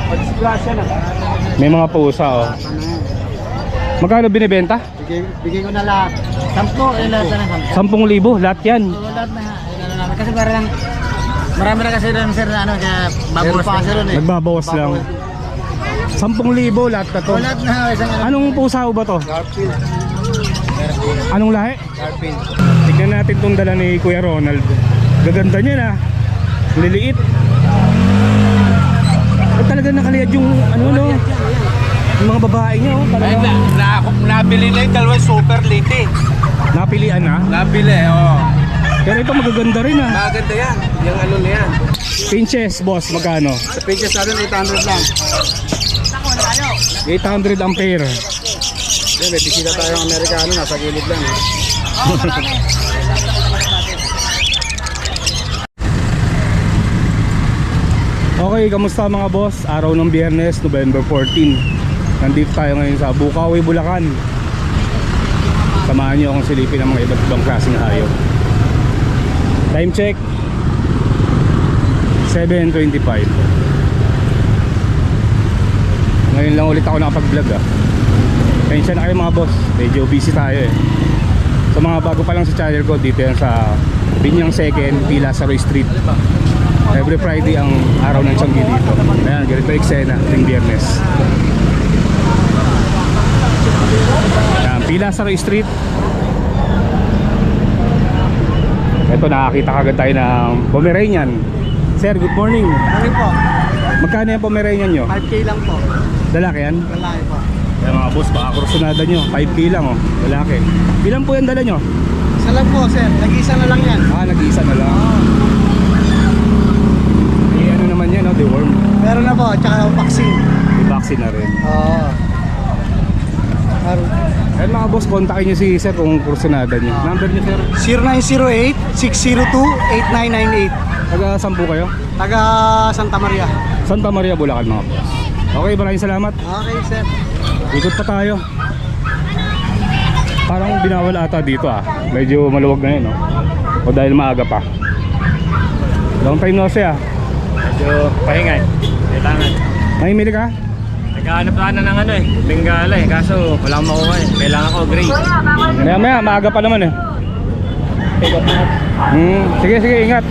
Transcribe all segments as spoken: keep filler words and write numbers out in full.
May mga pusa oh. Magkano binibenta? Bigay, bigay ko na lahat. Sampo, eh lahat na sampo. Sampung libo, lahat yan. Oo, lahat na. Ano namin. Kasi para lang, marami na kasi doon sir na ano, kaya babawas pa kasi doon eh. Nagbabawas lang. Sampung libo, lahat na to. Oo, lahat na. Isang ano. Anong pusa ba to? Garfield. Anong lahi? Garfield. Tignan natin itong dala ni Kuya Ronald. Gaganda niya na. Liliit. At talaga nakaliyad yung ano no. Yung mga babae niya oh. Ay, Talagang na, na, nabili na yung dalawang super late eh. napilian na. Nabili, oo. Oh. Pero ito magaganda rin ah. Maganda yan. Yung ano na yan. Pinches boss, magkano? Sa pages natin, eight hundred lang. eight hundred ampere. Yan, may bisita tayong Amerikano. Nasa gilid lang eh. Okay, kamusta mga boss? Araw ng Biyernes, November fourteen. Nandito tayo ngayon sa Bukawi, Bulacan. Samahan niyo akong silipin ng mga iba't ibang klaseng hayop. Time check seven twenty-five. Ngayon lang ulit ako nakapag-vlog ah. Tensya na kayo mga boss, medyo busy tayo eh. Sa mga bago pa lang sa channel ko, dito yan sa Binyang Second, P. Lazaro Street. Every Friday ang araw ng Tianggi dito. Ayan, ganito eksena ng Biyernes. Ayan, P. Lazaro Street. Ito, nakakita kagad tayo ng Pomeranian. Sir, good morning. Ano po? Magkano yung Pomeranian nyo? five K lang po. Lalaki yan? Lalaki po. Ayan mga boss, baka kursunada nyo. five K lang oh, lalaki. Ilan po yung dala nyo? Isa lang po sir. Nag-isa na lang yan. Ah, nag-iisa na lang. Eh, ano naman yan, no? Deworm. Meron na po. Tsaka vaccine. May vaccine na rin. Oo. Ayan mga boss, kontakin nyo si sir kung kursunada nyo. Number nyo sir? zero nine zero eight, six zero two, eight nine nine eight. Taga sampu kayo? Taga Santa Maria. Santa Maria, Bulacan mga boss. Okay, maraming salamat. Okay sir. Ikot pa tayo. Parang binawal ata dito ah. Medyo maluwag na yun no? O dahil maaga pa. Long time no see ah. Medyo pahingay. Kailangan. Mahimili ka? Naghahanap ka na ng ano eh. Bengala eh. Kaso wala akong makuha eh. Kailangan ko gray. Maya maya, maaga pa naman eh. Hmm, sige sige, ingat.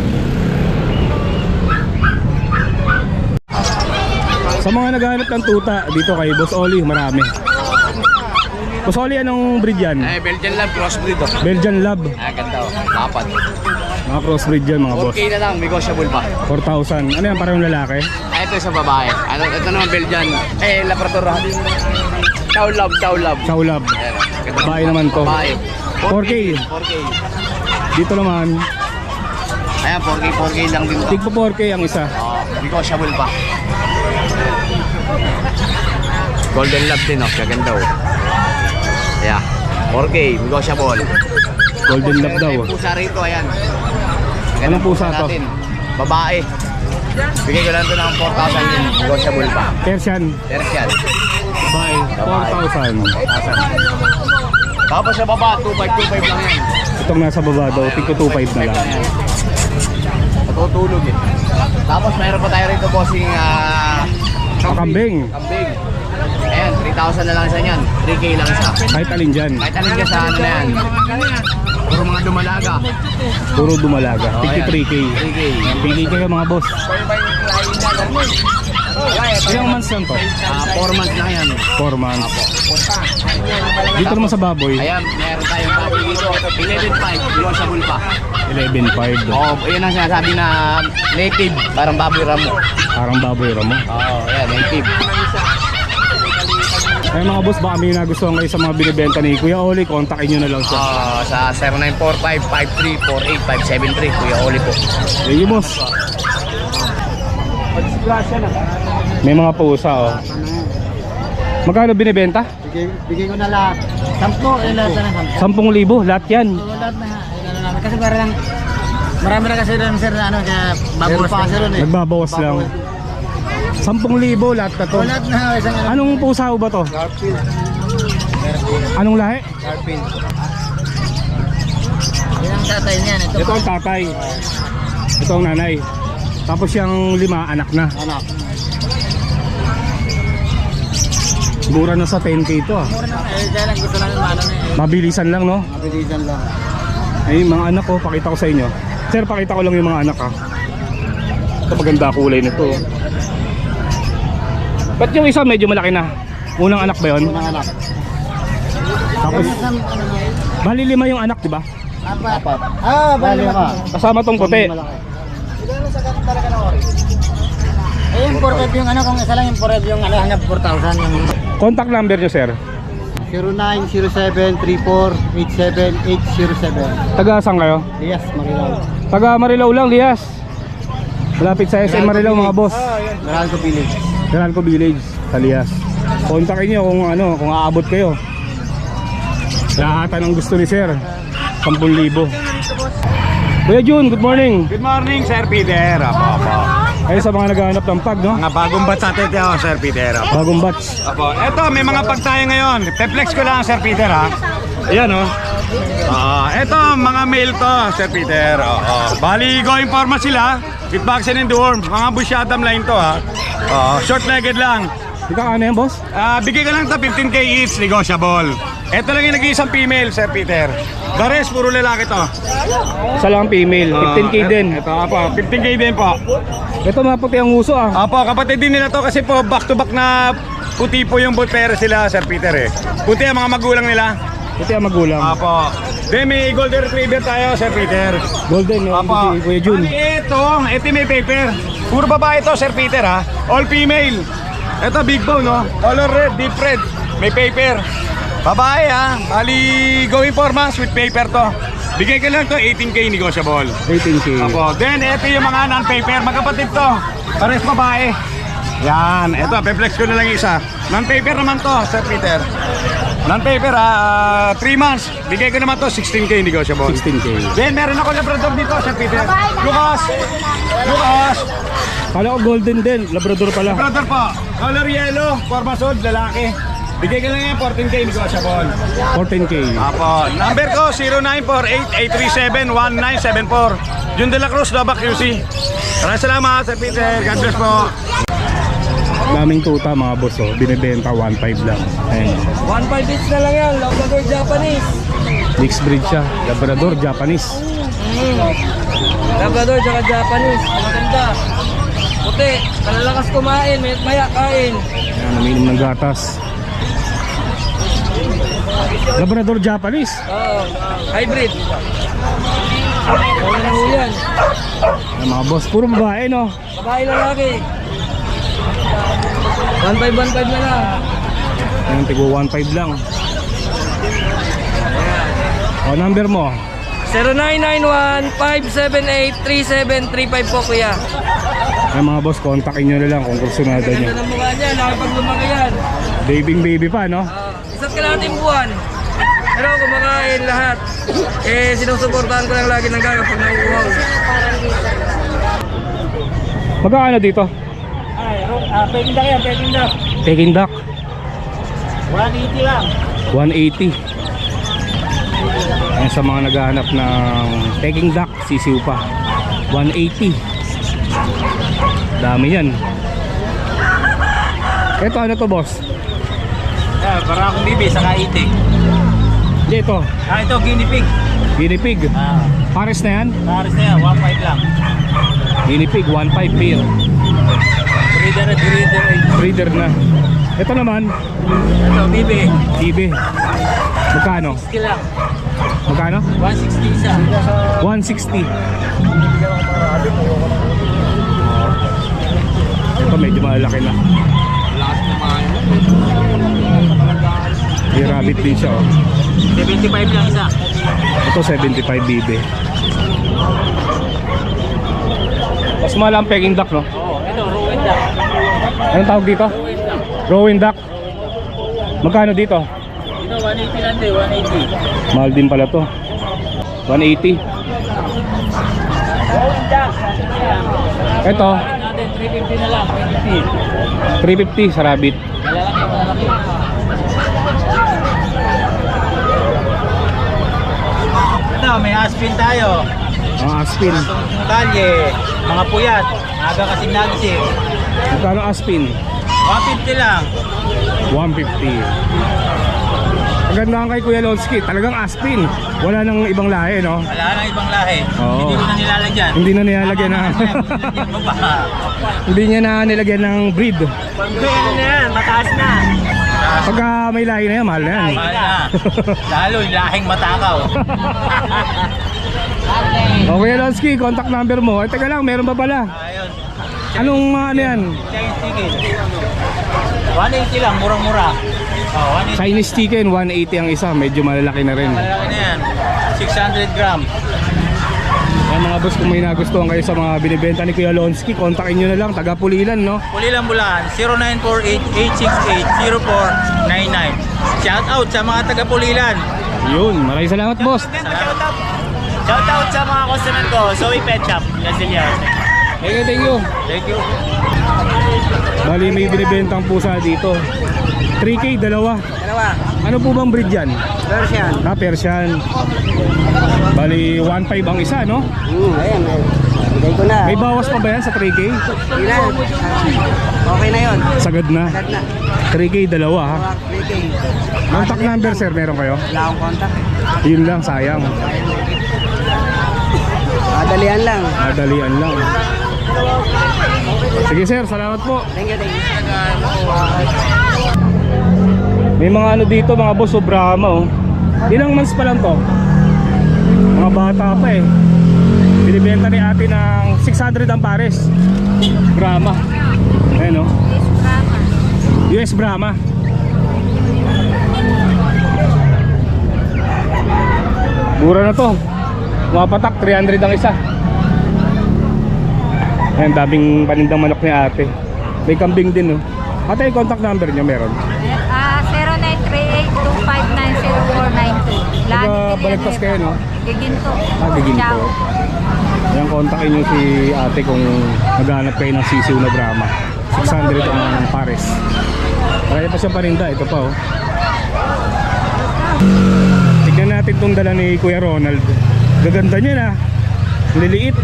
Sa mga naghahanap ng tuta dito kay Boss Oli, marami. Boss Oli, anong breed yan? Eh, Belgian Lab, crossbreed oh. Belgian Lab. Ah, ganda oh. Dapat. Mga crossbreed yan mga boss. four K na lang, negotiable pa. four thousand. Ano yan, parang lalaki? Ah, ito isang babae. Ano, ito naman Belgian. Eh, Labrador. Chow Lab, Chow Lab. Chow Lab. Ayan, ganda. Babae naman to. Babae. four K. four K. Dito naman, Ayan, four K, four K lang din to. tigpo four K ang isa. Oh, negotiable pa. Golden Lab din oh, kaganda oh. Yeah, four K, negotiable. Golden Lab daw. May pusa rito, ayan. Anong pusa to? Natin. Babae. Bigay ko lang ito ng four thousand din, negotiable pa. Persian. Tertian. Bye. four thousand. Tapos sa baba, two five, two five lang yan. Itong nasa baba daw, tigpo two five na lang. Natutulog eh. Tapos mayroon pa tayo rito bossing ah... Ah, kambing. Kambing. Ayan, three thousand na lang isa niyan. three K lang isa. Kahit alin dyan. Kahit alin ka sa ano na yan. Puro mga dumalaga. Puro dumalaga. Oh, tigpo ayan. three K. three K. Pili kayo mga boss. Ilang months lang to? Ah, four months lang yan. four months. Dito naman sa baboy, Ayan, meron tayong baboy dito. eleven five, negotiable pa. eleven five. Oo, oh, yun ang sinasabi na native. Parang baboy ramo. Parang baboy ramo. Oo, oh, ayan, native. Ay mga boss, baka may nagustuhan kayo sa mga binibenta ni Kuya Oli, kontakin nyo na lang siya. Ah, sa zero nine four five, five three four eight, five seven three, Kuya Oli po. Thank you boss. May mga pusa oh. Magkano binibenta? Bigay, bigay ko na lahat. Sampo, eh lahat na sampo. Sampung libo, lahat yan. Oo, lahat na. Ano namin. Kasi para lang, marami na kasi doon sir na ano, kaya babawas pa kasi doon eh. Nagbabawas lang. Sampung libo, lahat na to. Oo, lahat na. Isang ano. Anong pusa ba to? Garfield. Anong lahi? Garfield. Yan ang tatay niyan. Ito, Ito ang tatay. Ito ang nanay. Tapos yung lima, anak na. anak. mura na sa ten K to ah. Mura na, eh, dahil lang gusto namin maano na eh. Mabilisan lang no. Mabilisan lang. Ay, mga anak ko, pakita ko sa inyo. Sir, pakita ko lang yung mga anak ha. Ito maganda kulay nito. Ba't yung isa medyo malaki na? Unang anak ba yun? Unang anak. Tapos, bali lima yung anak, di ba? Apat. Apat. Ah, bali ka. Kasama tong puti. Siguro sa ganun talaga na orange. Eh, yung four five yung ano, kung isa lang yung four five yung ano, hanggang four thousand yung... Contact number nyo, sir. zero nine zero seven three four eight seven eight zero seven. Taga saan kayo? Yes, Marilao. Taga Marilao lang, Lias. Malapit sa S M Marilao mga boss. Meralco Village. Meralco Village, sa Lias. Kontakin nyo kung ano, kung aabot kayo. Lahatan ang gusto ni sir. ten libo. Kuya Jun, good morning. Good morning, Sir Peter. Apo, apo. Kayo sa mga naghahanap ng pag, no? Mga bagong batch natin ito, Sir Peter. Apo. Bagong batch. Apo. Eto, may mga pag tayo ngayon. Te-flex ko lang, Sir Peter, ha? Ayan, oh. Ah, eto, mga male to, Sir Peter. Oo. Bali, going forma sila. With vaccine and deworm. Mga busyadam line to, ha? Oo. Short-legged lang. Ikaw ano yan, boss? Ah, bigay ka lang ito, fifteen K each, negotiable. Ito lang yung nag-iisang female, Sir Peter. The rest, puro lalaki to. Isa lang female, fifteen K Ah, din. Ito, apo, fifteen K din po. Ito maputi ang uso ah. Apo, kapatid din nila to kasi po back to back na puti po yung butpera sila, Sir Peter eh. Puti ang mga magulang nila. Puti ang magulang. Apo. Then may golden retriever tayo, Sir Peter. Golden, no? Apo. Si Kuya Jun. Bali, ito, ito may paper. Puro babae to, Sir Peter ha. All female. Ito big bone, no? Color red, deep red. May paper. Babae ha. Bali, going for months with paper to. Bigay ka lang to, eighteen K negotiable. eighteen K. Apo. Then, ito yung mga non-paper. Magkapatid to. Pares babae. Yan. Ito, pe-flex ko na lang isa. Non-paper naman to, Sir Peter. Non-paper ha. three months. Bigay ko naman to, sixteen K negotiable. sixteen K. Then, meron ako labrador dito, Sir Peter. Lucas! Lucas! Kala ko golden din, labrador pala. Labrador po. Color yellow, formasod, lalaki. Bigay ka lang yan, fourteen K negotiable. fourteen K. Apo. Number ko, zero nine four eight eight three seven one nine seven four. Jun de la Cruz, Dabac Q C. Maraming salamat, Sir Peter. God bless po. Daming tuta mga boss oh. Binibenta one five lang. Ayan. one five each na lang yan, Labrador Japanese. Mixed breed siya. Labrador, Japanese. Labrador tsaka Japanese, maganda. Puti, kalalakas kumain, may maya kain. Ayan, umiinom ng gatas. Labrador, Japanese. Oo, hybrid. Wala na ho yan. Ayan, mga boss, puro babae no. Babae lalaki. one five one five na lang. Ayan, tigo one five lang. O, number mo. zero nine nine one five seven eight three seven three five po kuya. Ayan mga boss, kontakin nyo na lang kung kursunada nyo. Ganda ng mukha niya, nakapag lumaki yan. Babying baby pa no. Uh, isa't kalahating buwan. Pero kumakain lahat. Eh, sinusuportahan ko lang lagi ng gaga pag nauuhaw. Magkano dito? Ay, ah, peking duck yan, peking duck. Peking duck. one eighty lang. one eighty. Ayan sa mga naghahanap ng Peking duck, sisiw pa. one eighty. Dami yan. Ito ano to boss? Ah, para akong bibi, saka itik. Hindi ito. Ah, ito, guinea pig. Guinea pig. Ah, Pares na yan? pares na yan, one five lang. Guinea pig, one five pair. Breeder at breeder. Breeder na. Ito naman, Ito, bibi. Ibe. Magkano? Skill lang. Magkano? one sixty isa. one sixty. Ito medyo malaki na. Lakas kumain. May rabbit din siya oh. seventy-five lang isa. Ito seventy-five bibe. Mas mahal ang Peking duck no? Oo, ito, ruin duck. Anong tawag dito? Ruin duck. Rowan duck. Magkano dito? Ito, one eighty lang din, one eighty. Mahal din pala to. one eighty. Ruin duck. Ito, Natin, three fifty na lang, three fifty. three fifty sa rabbit. Malalaki, malalaki. Ito, may aspin tayo. Ang aspin. Itong kalye, mga puyat, aga kasing nagising. Magkano aspin? one fifty lang. one fifty. Maganda kay Kuya Lonsky, talagang Aspin. Wala nang ibang lahi, no? Wala nang ibang lahi. Oo. Hindi ko na nilalagyan. Hindi na nilalagyan na. Nilalagyan mo ba? Hindi niya na nilagyan ng breed. Ano na yan? Mataas na. Pagka may lahi na yan, mahal na yan. Mahal na. Lalo, lahing matakaw. O Kuya Lonsky, contact number mo. Ay, teka lang, meron pa pala. Ayun. Anong uh, ano yan? Chinese chicken. one eighty lang, murang-mura. Oh, one eighty. Chinese chicken, one eighty ang isa. Medyo malalaki na rin. Malaki na yan. six hundred gram. Kaya mga boss, kung may nagustuhan kayo sa mga binibenta ni Kuya Lonsky, kontakin nyo na lang, taga Pulilan, no? Pulilan Bulacan, zero nine four eight, eight six eight, zero four nine nine. Shout out sa mga taga Pulilan. Yun, maraming salamat boss. Salamat. Shout out sa mga customer ko, Zoe Pet Shop, Gazillas. Thank you, thank you. Thank you. Bali, may binibentang pusa dito. three K, dalawa. Dalawa. Ano po bang breed yan? Persian. Ah, Persian. Bali, one five ang isa, no? Hmm, ayan. Bigay ko na. May bawas pa ba yan sa three K? Hindi na. Okay na yun. Sagad na. Agad na. three K, dalawa ha. three K. Contact number, sir, meron kayo? Wala akong contact. Yun lang, sayang. Madalian lang. Madalian lang. Sige sir, salamat po. Thank you, thank you. May mga ano dito, mga boss, o Brahma, oh. Ilang months pa lang to? Mga bata pa eh. Binibenta ni ate ng six hundred ang pares. Brahma. Ayan, oh. U S Brahma. Mura na to. Mga patak, three hundred ang isa. Ayan, daming panindang manok ni ate. May kambing din, oh. Ate, yung contact number niyo meron? Ah, zero nine three eight two five nine zero four nine two. Taga Balagtas kayo, no? Giginto. Ah, Giginto. Ciao. Ayan, kontakin nyo si ate kung naghanap kayo ng sisiw na Brahma. six hundred ang pares. Kaya pa siyang paninda, ito pa, oh. Tignan natin itong dala ni Kuya Ronald. Gaganda niya na. Liliit.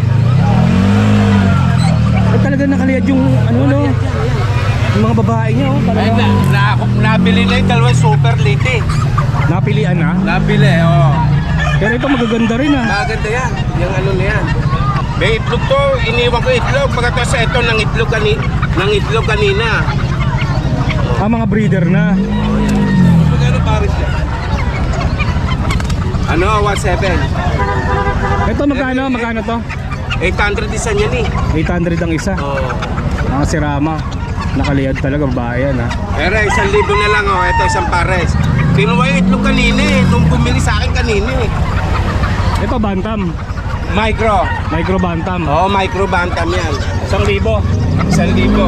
Ay, talaga nakaliyad yung ano, no? Yung mga babae niya, oh. Ay, Talaga. na, na, nabili na yung dalawang super late. Napilian na. Nabili, oo. Pero ito magaganda rin, ah. Maganda yan. Yung ano na yan. May itlog to. Iniwan ko itlog. Pagkatapos ito ng itlog, kani, ng itlog kanina. Ah, mga breeder na. Magkano pares yan? Ano? one seven. Ito magkano? Magkano to? eight hundred isa niyan eh. eight hundred ang isa. Oo. Mga sirama. Nakaliyad talaga, babae yan, ah. Pero isang libo na lang oh. Ito isang pares. Kinuha yung itlog kanina eh. Nung bumili sa akin kanina eh. Ito, bantam. Micro. Micro bantam. Oo, oh, micro bantam yan. Isang libo. Isang libo.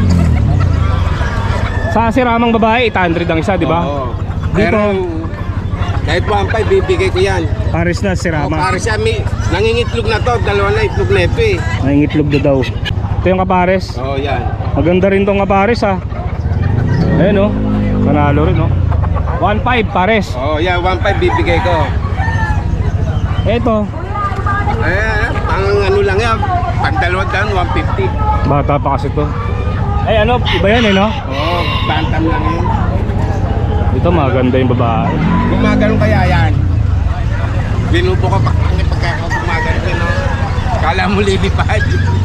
Sa siramang babae, eight hundred ang isa, di ba? Oo. Dito, Pero kahit one five bibigay ko yan. pares na Oh, sirama. para siya may nangingitlog na to, dalawa na itlog na ito eh. Nangingitlog na daw. Ito yung kapares. Oo, oh, yan. Maganda rin tong kapares, ha. Ayan, oh. Panalo rin, oh. one five pares. Oo, oh, yan, one five bibigay ko. Ito, Eh, ang ano lang yan, pag dalawa down, one fifty. bata pa kasi to. Ay, ano, iba yan, eh, no? Oo, oh, bantam lang yun. Ito, maganda yung babae. Gumagano kaya yan? Binubo ka pa kung pagka gumagano ka, no? Kala mo lilipad.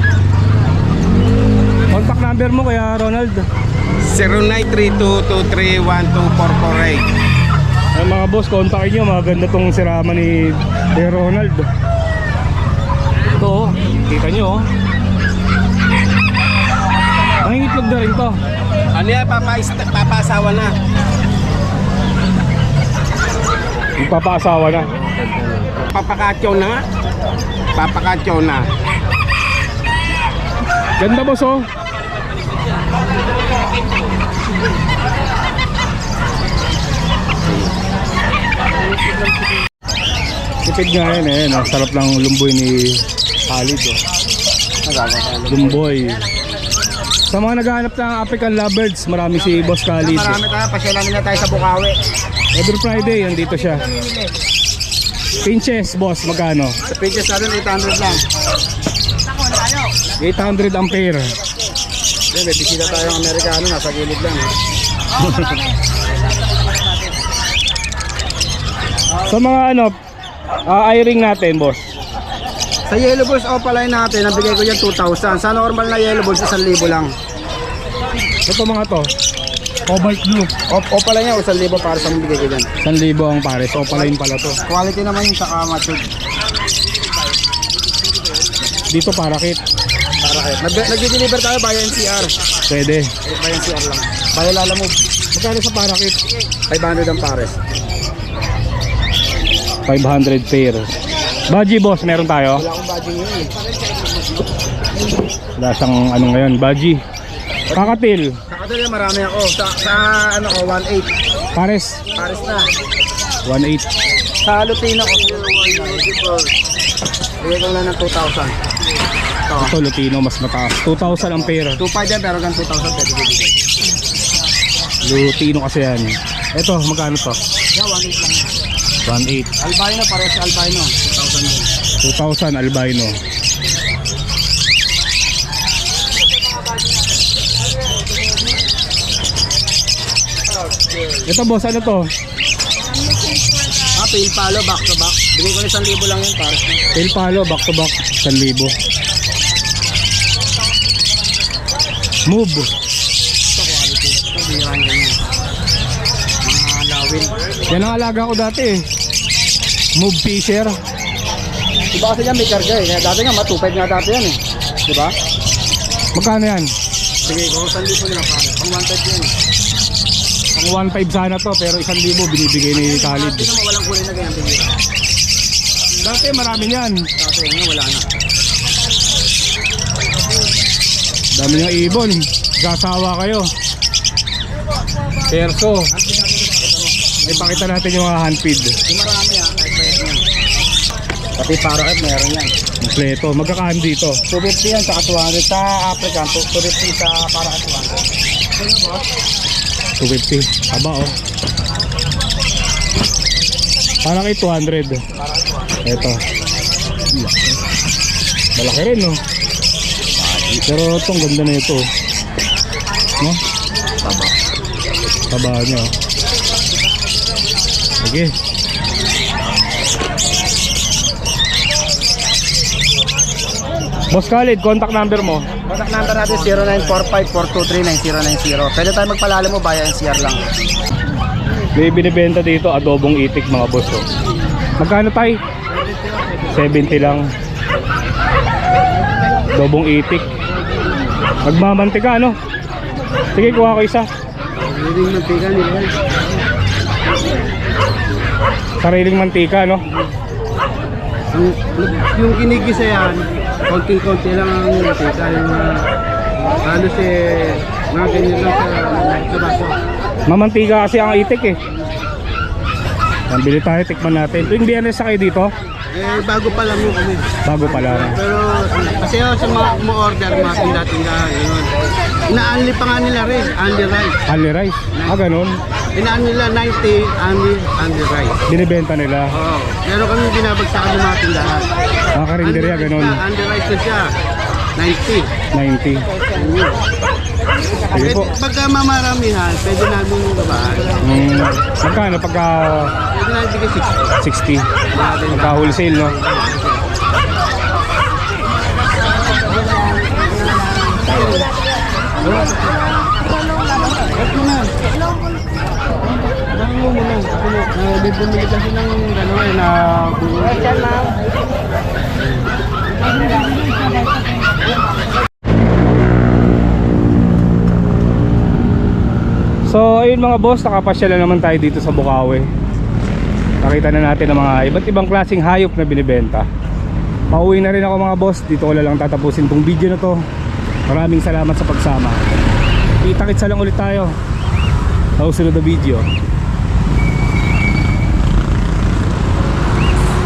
Contact number mo, kaya Ronald. zero nine three two two three one two four four eight. Ay, mga boss, kontakin nyo. Maganda tong sirama ni Kuya Ronald. Ito, oh. Kita nyo, oh. Nangingitlog na rin to. Ano yan, papa, papasawa na. Magpapaasawa na. Papakatyaw na nga. Papakatyaw na. Ganda, boss, oh. Tipid nga yan, eh. No? Sarap lang lumboy ni Khalid, oh. Lumboy. Sa mga naghahanap ng African lovebirds, marami si Boss Khalid. Marami tayo. Pasyalan na tayo sa Bukawi. Every Friday, andito siya. Pinches, boss, magkano? Sa pages natin, eight hundred lang. eight hundred ang pair. Yan, may bisita tayong Amerikano, nasa gilid lang. Eh. Sa mga ano, uh, eye-ring natin, boss. Sa yellow balls opaline natin, nabigay ko yan two thousand. Sa normal na yellow balls, one thousand lang. Ito mga to, cobalt blue. Op opaline niya, one thousand para sa bigay ko dyan. one thousand ang pares. Opaline pala to. Quality naman yung saka matured. Dito parakit. Para kayo. Nag Nag-deliver tayo via N C R. Pwede. Via N C R lang. Via Lala Move. Magkano sa parakit? five hundred ang pares. five hundred pair. Baji boss, meron tayo? Wala akong badging yun eh. Wala siyang ano ngayon, baji. Kakatil. Sa kadali marami ako. Sa, sa ano ko, one eight. Pares. Pares na. one eight. Sa Lutino ko, bigay ko lang ng two thousand. Ito. Ito Lutino, mas mataas. two thousand ang pair. two five yan pero hanggang two thousand pwede bibigay. Lutino kasi yan. Ito, magkano to? Yeah, one eight lang yan. one eight. Albino, pares sa albino. two thousand din. two thousand albino. Ito boss, ano to? Ah, pale palo, back to back. Bigay ko na one thousand lang yun, pares na. Tail palo, back to back, one thousand. Move. Ito quality. Ito, biran ganyan. Mga lawin. Yan ang alaga ko dati eh. Move Fisher. Diba kasi yan may karga eh. Kaya dati nga, two five nga dati yan eh. Diba? Magkano yan? Bigay ko, one thousand nila pares. Pang one five yan eh. Ang one five sana to pero one thousand binibigay ni Khalid. Dati naman walang kulay na ganyan bigay. Dati marami niyan. Dati nga wala na. Dami niyang ibon. Gasawa kayo. Perso. Ay pakita natin yung mga handfeed. Yung marami ah, kahit ba yan. Pati parakat meron yan. Kompleto. Magkakahan dito. two fifty yan sa two hundred. Sa African, two fifty sa parakat two hundred. Ito na boss. two fifty. Aba oh. Parang kay two hundred. Ito. Malaki rin no. Pero itong ganda na ito. No? Taba. Taba niya. Sige. Boss Khalid, contact number mo. Contact number natin zero nine four five four two three nine zero nine zero. Pwede tayo magpalala mo via N C R lang. May binibenta dito adobong itik mga boss oh. Magkano tay? seventy lang. Adobong itik. Magmamantika ano? Sige, kuha ko isa. Hindi mantika nila. Sariling mantika no? Yung, yung kinigisa yan, konting-konti lang ang mantika. Yung uh, halos eh, mga ganyan lang sa, sa baso. Mamantika kasi ang itik eh. Yan, bili tayo, tikman natin. Tuwing biyernes sa kayo dito? Eh, bago pa lang yung kami. Bago pa lang. Pero kasi oh, sa mga mo-order, mga tinda-tindahan, gano'n. Ina-unli pa nga nila rin, unli rice. Only rice. Ah, ganun. Ina-unli nila ninety, unli, unli rice. Binibenta nila. Oo. Meron kami binabagsakan ng mga tindahan. Mga karinderya, ganun. Unli rice na siya, ninety. ninety. Sige po. Pagka mamaramihan, pwede namin yung babaan. Hmm, magkano pagka Pwede namin bigay sixty. sixty? Pagka wholesale no? Bumili kasi ng gano'n na So ayun mga boss, nakapasya na naman tayo dito sa Bukawi. Nakita na natin ang mga iba't ibang klaseng hayop na binibenta. Pauwi na rin ako mga boss. Dito ko na lang tatapusin tong video na to. Maraming salamat sa pagsama. Kita-kitsa lang ulit tayo sa susunod na video.